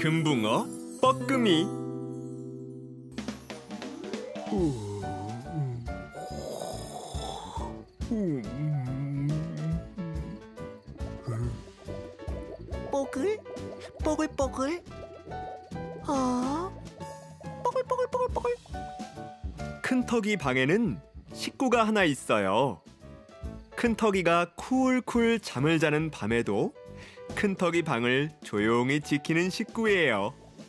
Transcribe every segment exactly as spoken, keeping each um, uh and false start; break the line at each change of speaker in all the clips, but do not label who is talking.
금붕어 뻐끔이.
뽀글 뽀글뽀글. 아, 뽀글뽀글뽀글뽀글.
큰턱이 방에는 식구가 하나 있어요. 큰턱이가 쿨쿨 잠을 자는 밤에도 큰턱이 방을 조용히 지키는 식구예요.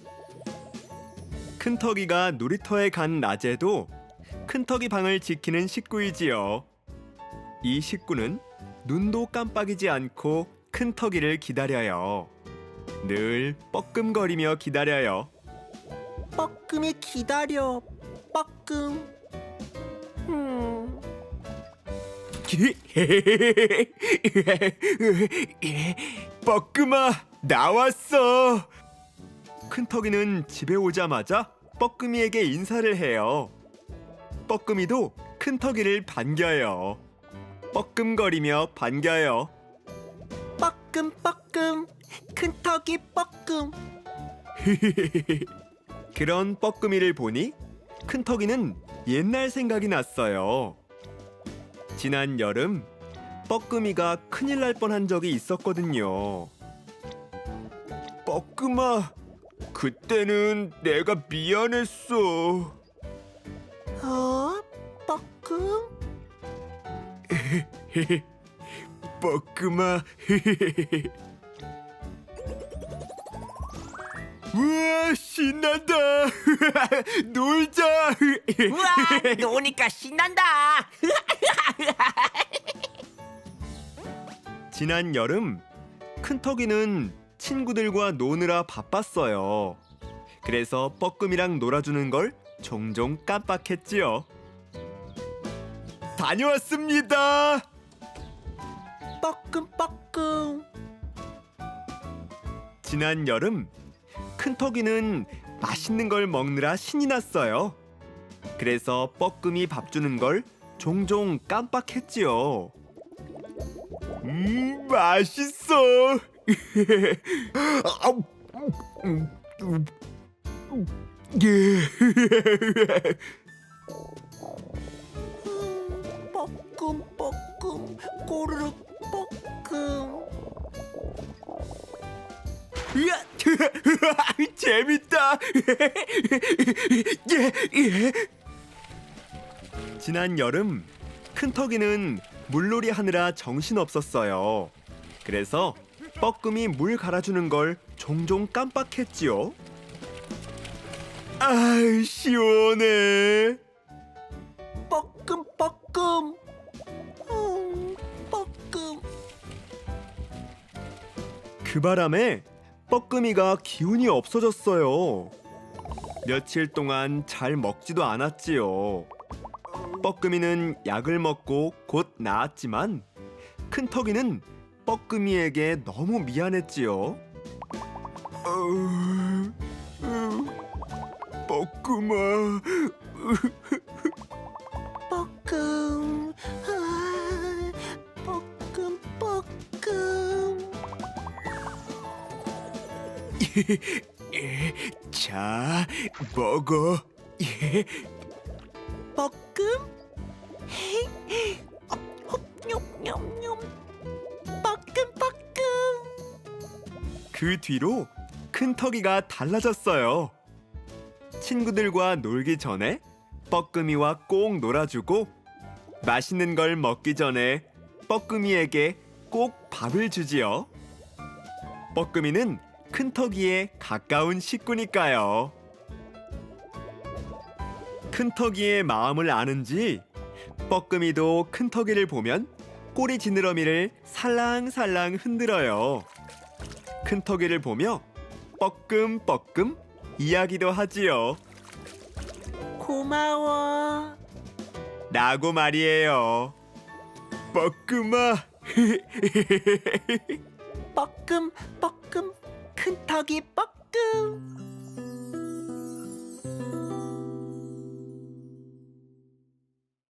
큰턱이가 놀이터에 간 낮에도 큰턱이 방을 지키는 식구이지요. 이 식구는 눈도 깜빡이지 않고 큰턱이를 기다려요. 늘 뻐끔거리며 기다려요.
뻐끔이 기다려. 뻐끔. 음.
뻐끔아, 나왔어. 큰턱이는 집에 오자마자 뻐끔이에게 인사를 해요. 뻐끔이도 큰턱이를 반겨요. 뻐끔거리며 반겨요.
뻐끔 뻐끔. 큰턱이 뻐끔.
그런 뻐끔이를 보니 큰턱이는 옛날 생각이 났어요. 지난 여름 뻐끔이가 큰일 날 뻔한 적이 있었거든요. 뻐끔아, 그때는 내가 미안했어.
어? 뻐끔?
뻐끔아. 우와, 신난다. 놀자.
우와, 노니까 신난다.
지난 여름 큰턱이는 친구들과 노느라 바빴어요. 그래서 뻐끔이랑 놀아주는 걸 종종 깜빡했지요. 다녀왔습니다.
뻐끔 뻐끔.
지난 여름 큰턱이는 맛있는 걸 먹느라 신이 났어요. 그래서 뻐끔이 밥 주는 걸 종종 깜빡했지요. 음, 맛있어.
음, 뻐끔 뻐끔. 꼬르륵 뻐끔.
으아, 재밌다. 예, 예. 지난 여름 큰턱이는 물놀이 하느라 정신없었어요. 그래서 뻐끔이 물 갈아주는 걸 종종 깜빡했지요. 아, 시원해.
뻐끔 뻐끔. 음, 뻐끔.
그 바람에 뻐끔이가 기운이 없어졌어요. 며칠 동안 잘 먹지도 않았지요. 뻐끔이는 약을 먹고 곧 나았지만 큰턱이는 뻐끔이에게 너무 미안했지요. 어, 어, 뻐끔아.
뻐끔. 아, 뻐끔 뻐끔.
자, 먹어.
뻐끔? 헤이, 어, 홉뇽뇽뇽. 뻐끔 뻐끔.
그 뒤로 큰턱이가 달라졌어요. 친구들과 놀기 전에 뻐끔이와 꼭 놀아주고 맛있는 걸 먹기 전에 뻐끔이에게 꼭 밥을 주지요. 뻐끔이는 큰턱이의 가까운 식구니까요. 큰턱이의 마음을 아는지 뻐끔이도 큰턱이를 보면 꼬리 지느러미를 살랑살랑 흔들어요. 큰턱이를 보며 뻐끔뻐끔 이야기도 하지요.
고마워.
라고 말이에요. 뻐끔아.
뻐끔 뻐끔. 큰턱이 뻐끔.